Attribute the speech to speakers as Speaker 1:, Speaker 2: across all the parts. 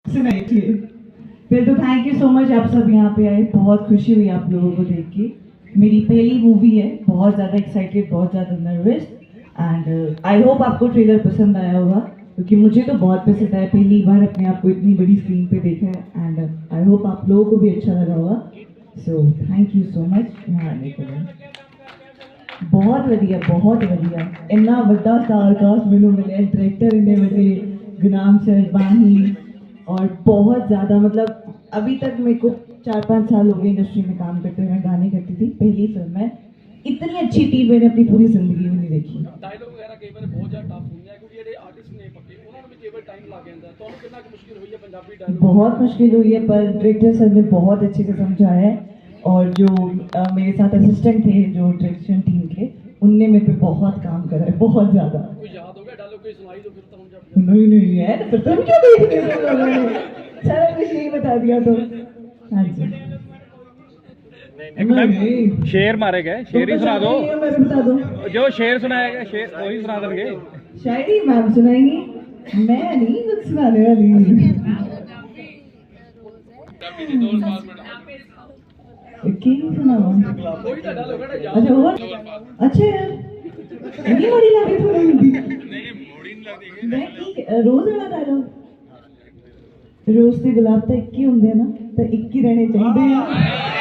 Speaker 1: सुनाइए। फिर तो थैंक यू सो मच, आप सब यहाँ पे आए, बहुत खुशी हुई आप लोगों को देख के। मेरी पहली मूवी है, बहुत ज़्यादा एक्साइटेड, बहुत ज़्यादा नर्वस एंड आई होप आपको ट्रेलर पसंद आया होगा, क्योंकि मुझे तो बहुत पसंद आया। पहली बार अपने आप को इतनी बड़ी स्क्रीन पे देखा है एंड आई होप आप लोगों को भी अच्छा लगा होगा। So thank you so much यहाँ आने के लिए। बहुत वधिया, बहुत वधिया। इन्ना वड्डा स्टार कास्ट मैनू मिले, डायरेक्टर इन्ने वड्डे, गुरनाम सर, बानी, और बहुत ज़्यादा मतलब अभी तक मेरे को 4-5 साल हो गए इंडस्ट्री में काम करते हुए। मैं गाने करती थी, पहली फिल्म है। इतनी अच्छी टीम मैंने अपनी पूरी जिंदगी में नहीं देखी।
Speaker 2: डायलॉग वगैरह कई बार बहुत ज़्यादा टफ ਹੁੰਦੀਆਂ क्योंकि ਜਿਹੜੇ आर्टिस्ट ने पक्के उन्होंने भी कई बार टाइम लग ਜਾਂਦਾ ਤੁਹਾਨੂੰ कितना मुश्किल हुई है पंजाबी डायलॉग?
Speaker 1: बहुत मुश्किल हुई है, पर डायरेक्टर सर ने बहुत अच्छे से समझाया है, और जो मेरे साथ असिस्टेंट थे जो डायरेक्शन टीम के, उनने मेरे पे बहुत काम करा है, बहुत ज़्यादा।
Speaker 2: कोई याद हो गया डायलॉग, कोई सुनाई दो फिर तो हम जब
Speaker 1: नहीं नहीं है तो फिर तुम क्यों देख रहे हो? सारा कुछ यही बता दिया तो। हाँ जी,
Speaker 3: एक मैम शेर मारे गए, शेर ही सुना दो।
Speaker 1: मैं बता दो,
Speaker 3: जो शेर सुनाया गया शेर वही सुना देंगे।
Speaker 1: शायरी मैम सुनाएंगी, मैं नहीं कुछ सुनाने वाली। की सुनाऊं?
Speaker 2: कोई तो डायलॉग है याद
Speaker 1: अच्छा और अच्छा यार, नहीं मोड़ी लगी थोड़ी हिंदी।
Speaker 3: नहीं मोड़ी नहीं लगती।
Speaker 1: मैं की रोज वाला डायलॉग, रोज ਦੇ ਗੁਲਾਬ ਤਾਂ ਇੱਕ ਹੀ ਹੁੰਦੇ ਨਾ, ਤਾਂ ਇੱਕ ਹੀ ਰਹਿਣੇ ਚਾਹੀਦੇ ਆ।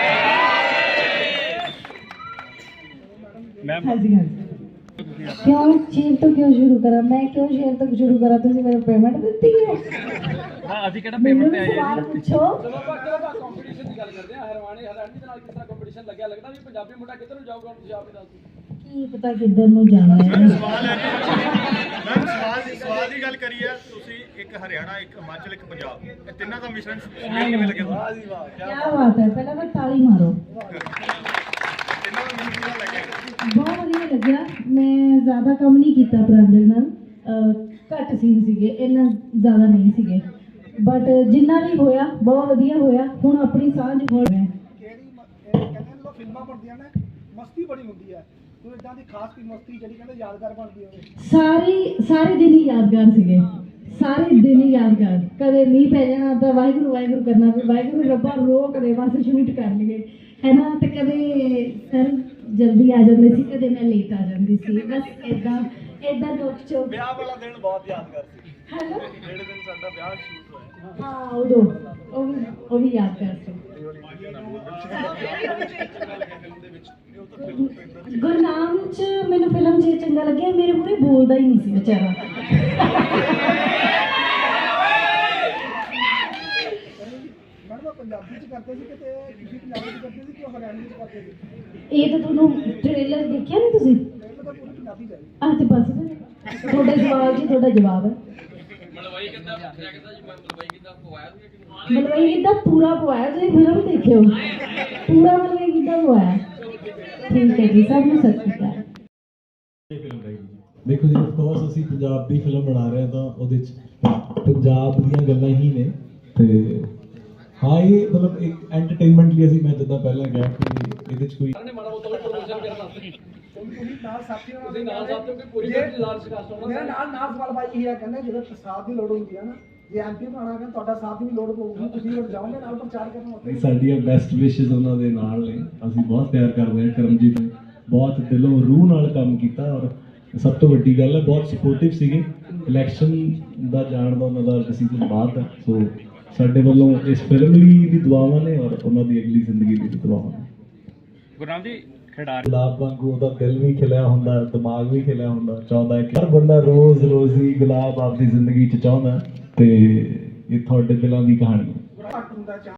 Speaker 3: मैम
Speaker 1: हाँ जी, हाँ जी।
Speaker 4: क्यों शेर तो क्यों शुरू करा? मैं क्यों शेर तक शुरू करा? तुझे मेरे पेमेंट ਦਿੱਤੀ ਹੈ?
Speaker 3: हाँ ਅਸੀਂ ਕਿਹੜਾ
Speaker 4: ਮੈਨੂੰ
Speaker 3: ਪੇਮੈਂਟ ਤੇ ਆਏ
Speaker 4: ਸਵਾਲ
Speaker 3: ਹਾਂ ਜੀ।
Speaker 4: ਪੁੱਛੋ।
Speaker 2: ਚਲੋ ਆਪਾਂ ਕੰਪੀਟੀਸ਼ਨ ਦੀ ਗੱਲ ਕਰਦੇ ਹਾਂ। ਹਰਵਾਣੇ ਹਰਿਆਣੇ ਦੇ ਨਾਲ ਕਿਸ ਤਰ੍ਹਾਂ ਕੰਪੀਟੀਸ਼ਨ ਲੱਗਿਆ? ਲੱਗਦਾ ਵੀ ਪੰਜਾਬੀ ਮੁੰਡਾ ਕਿੱਧਰ ਨੂੰ ਜਾਊਗਾ? ਤੁਸੀਂ ਆਪ ਹੀ ਦੱਸ ਦਿਓ।
Speaker 4: ਕੀ ਪਤਾ ਕਿੱਧਰ ਨੂੰ ਜਾਣਾ ਹੈ।
Speaker 5: ਸਵਾਲ ਹੈ ਜੀ ਮੈਮ, ਸਵਾਲ ਦੀ ਗੱਲ ਕਰੀਏ, ਤੁਸੀਂ ਇੱਕ ਹਰਿਆਣਾ, ਇੱਕ ਹਿਮਾਚਲ, ਇੱਕ ਪੰਜਾਬ, ਇਹ ਤਿੰਨਾਂ ਦਾ ਮਿਸ਼ਰਣ ਕਿਵੇਂ ਲੱਗਿਆ ਤੁਹਾਨੂੰ?
Speaker 4: ਕੀ ਬਾਤ ਹੈ, ਪਹਿਲਾਂ ਤਾਂ ਤਾਲੀ ਮਾਰੋ।
Speaker 5: ਤਿੰਨਾਂ ਦਾ ਮਿਸ਼ਰਣ ਕਿਵੇਂ ਲੱਗਿਆ?
Speaker 4: ਬਹੁਤ ਵਧੀਆ ਲੱਗਿਆ। ਮੈਂ ਜ਼ਿਆਦਾ ਕੰਮ ਨਹੀਂ ਕੀਤਾ ਪ੍ਰਾਂਜਲ ਨਾਲ, ਘੱਟ ਸੀਨ ਸੀਗੇ, ਇੰਨਾ ਜ਼ਿਆਦਾ ਨਹੀਂ ਸੀਗੇ, ਬਟ ਜਿੰਨਾ ਵੀ ਹੋਇਆ ਬਹੁਤ ਵਧੀਆ ਹੋਇਆ। ਹੁਣ ਆਪਣੀ ਸਾਂਝ ਹੋ ਰਹੀ ਹੈ।
Speaker 6: ਕਹਿੰਦੇ ਜਦੋਂ ਫਿਲਮਾਂ ਬਣਦੀਆਂ ਨੇ ਮਸਤੀ ਬੜੀ ਹੁੰਦੀ ਹੈ, ਕੋਈ ਇਦਾਂ ਦੀ ਖਾਸ ਕੋਈ ਮਸਤੀ ਜਿਹੜੀ ਕਹਿੰਦੇ ਯਾਦਗਾਰ ਬਣਦੀ ਹੋਵੇ?
Speaker 4: ਸਾਰੇ ਦਿਨ ਹੀ ਯਾਦਗਾਰ ਸੀਗੇ, ਸਾਰੇ ਦਿਨ ਹੀ ਯਾਦਗਾਰ। ਕਦੇ ਮੀਂਹ ਪੈ ਜਾਣਾ ਤਾਂ ਵਾਹਿਗੁਰੂ ਵਾਹਿਗੁਰੂ ਕਰਨਾ, ਵੀ ਵਾਹਿਗੁਰੂ ਰੱਬਾ ਰੋਕ ਦੇ ਬਸ ਸ਼ੂਟ ਕਰ ਲਈਏ, ਹੈ ਨਾ। ਤੇ ਕਦੇ ਸਰ ਜਲਦੀ ਆ ਜਾਂਦੇ ਸੀ, ਕਦੇ ਮੈਂ ਲੇਟ ਆ ਜਾਂਦੀ ਸੀ, ਬਸ ਇਦਾਂ ਨੋਕ ਚੋਕ।
Speaker 5: ਵਿਆਹ ਵਾਲਾ ਦਿਨ ਬਹੁਤ ਯਾਦਗਾਰ ਸੀ,
Speaker 4: ਹੈ ਨਾ।
Speaker 5: ਜਿਹੜੇ ਦਿਨ ਸਾਡਾ ਵਿਆਹ ਸ਼ੂਟ ਹੋਇਆ।
Speaker 4: ਹਾਂ ਉਦੋਂ ਉਹ ਵੀ ਯਾਦਗਾਰ ਸੀ। ਗੁਰਨਾਮ ਚ ਮੈਨੂੰ ਫਿਲਮ 'ਚ ਚੰਗਾ ਲੱਗਿਆ, ਮੇਰੇ ਮੂਹਰੇ ਬੋਲਦਾ ਹੀ ਨਹੀਂ ਸੀ ਵਿਚਾਰਾ।
Speaker 6: ਮੈਡਮ ਪੰਜਾਬੀ ਚ ਕਰਦੇ ਸੀ ਕਿਤੇ, ਤੁਸੀਂ ਪੰਜਾਬੀ ਚ ਕਰਦੇ ਸੀ ਕਿ ਹਰਿਆਣਵੀ ਚ ਕਰਦੇ ਸੀ?
Speaker 4: ਇਹ ਤਾਂ ਤੁਹਾਨੂੰ ਟ੍ਰੇਲਰ ਦੇਖਿਆ ਨਹੀਂ ਤੁਸੀਂ?
Speaker 6: ਇਹ ਤਾਂ ਪੂਰੀ ਪੰਜਾਬੀ ਚ ਹੈ।
Speaker 4: ਆਹ ਤੇ ਬਸ ਫਿਰ ਤੁਹਾਡੇ ਸਵਾਲ ਜੀ ਤੁਹਾਡਾ ਜਵਾਬ ਹੈ।
Speaker 2: ਮਲਵਈ ਕਿੱਦਾਂ ਪੁੱਛਿਆ ਕਿੱਦਾਂ ਜੀ? ਮਲਵਈ ਕਿੱਦਾਂ ਪਵਾਇਆ
Speaker 4: ਮਲਵਈ ਕਿੱਦਾਂ ਪੂਰਾ ਪਵਾਇਆ? ਤੁਸੀਂ ਫਿਲਮ ਦੇਖਿਓ, ਪੂਰਾ ਮਲਵਈ ਕਿੱਦਾਂ ਪਵਾਇਆ। ਠੀਕ ਹੈ ਜੀ, ਸਭ ਨੂੰ ਸਤਿ ਸ਼੍ਰੀ ਅਕਾਲ।
Speaker 7: ਦੇਖੋ ਜੀ, ਅਫਕੋਰਸ ਅਸੀਂ ਪੰਜਾਬੀ ਫਿਲਮ ਬਣਾ ਰਹੇ ਹਾਂ ਤਾਂ ਉਹਦੇ 'ਚ ਪੰਜਾਬ ਦੀਆਂ ਗੱਲਾਂ ਹੀ ਨੇ। ਤੇ ਹਾਂ, ਇਹ ਮਤਲਬ ਇੱਕ ਐਂਟਰਟੇਨਮੈਂਟ ਲਈ ਅਸੀਂ, ਮੈਂ ਜਿੱਦਾਂ ਪਹਿਲਾਂ ਕਿਹਾ ਕਿ ਇਹਦੇ 'ਚ ਕੋਈ
Speaker 2: ਨੇ ਮਾੜਾ ਮੋਟਾ ਪ੍ਰੋਮੋਸ਼ਨ ਕਰਨਾ ਸੀ।
Speaker 6: ਤੁਸੀਂ ਨਾਲ ਸਾਥੀਆਂ
Speaker 2: ਤੁਸੀਂ ਨਾਲ ਸਾਥੀਓ ਕਿ ਪੂਰੀ ਫਿਲਮ ਲਾਰਜ ਕਾਸਟ ਹੋਣਾ।
Speaker 6: ਮੇਰਾ ਨਾਲ ਸਵਾਲ ਬਾਈ ਇਹ ਹੈ, ਕਹਿੰਦੇ ਜਦੋਂ ਸਾਥ ਦੀ ਲੋੜ ਹੁੰਦੀ ਹੈ ਨਾ, ਜੇ ਐਮਪੀ ਬਣਾਉਣਾ ਹੈ ਤੁਹਾਡਾ ਸਾਥ ਦੀ ਵੀ ਲੋੜ ਪਊਗੀ, ਤੁਸੀਂ ਲੋੜ ਜਾਓਗੇ ਨਾਲ ਪ੍ਰਚਾਰ ਕਰਨ ਵਾਸਤੇ?
Speaker 7: ਸਾਡੀਆਂ ਬੈਸਟ ਵਿਸ਼ੇਸ ਉਹਨਾਂ ਦੇ ਨਾਲ ਨੇ। ਅਸੀਂ ਬਹੁਤ ਪਿਆਰ ਕਰਦੇ ਹਾਂ। ਕਰਮਜੀਤ ਨੇ ਬਹੁਤ ਦਿਲੋਂ ਰੂਹ ਨਾਲ ਕੰਮ ਕੀਤਾ, ਔਰ ਸਭ ਤੋਂ ਵੱਡੀ ਗੱਲ ਹੈ ਬਹੁਤ ਸਪੋਰਟਿਵ ਸੀਗੇ। ਇਲੈਕਸ਼ਨ ਦਾ ਜਾਣ ਦਾ ਉਹਨਾਂ ਦਾ ਡਿਸੀਜਨ ਬਾਅਦ ਦਾ, ਸੋ ਸਾਡੇ ਵੱਲੋਂ ਇਸ ਫਿਲਮ ਲਈ ਵੀ ਦੁਆਵਾਂ ਨੇ ਔਰ ਉਹਨਾਂ ਦੀ ਅਗਲੀ ਜ਼ਿੰਦਗੀ ਲਈ ਵੀ ਦੁਆਵਾਂ ਨੇ।
Speaker 3: ਗੁਰਨਾਮ ਜੀ ਖਿਡਾਰੀ
Speaker 7: ਗੁਲਾਬ ਵਾਂਗੂ ਉਹਦਾ ਦਿਲ ਵੀ ਖਿਲਿਆ ਹੁੰਦਾ, ਦਿਮਾਗ ਵੀ ਖਿਲਿਆ ਹੁੰਦਾ। ਚਾਹੁੰਦਾ ਹੈ ਕਿ ਹਰ ਬੰਦਾ ਰੋਜ਼ ਹੀ ਗੁਲਾਬ ਆਪਦੀ ਜ਼ਿੰਦਗੀ 'ਚ ਚਾਹੁੰਦਾ, ਤੇ ਇਹ ਤੁਹਾਡੇ ਦਿਲਾਂ ਦੀ ਕਹਾਣੀ ਹੈ।
Speaker 6: ਘੱਟ ਹੁੰਦਾ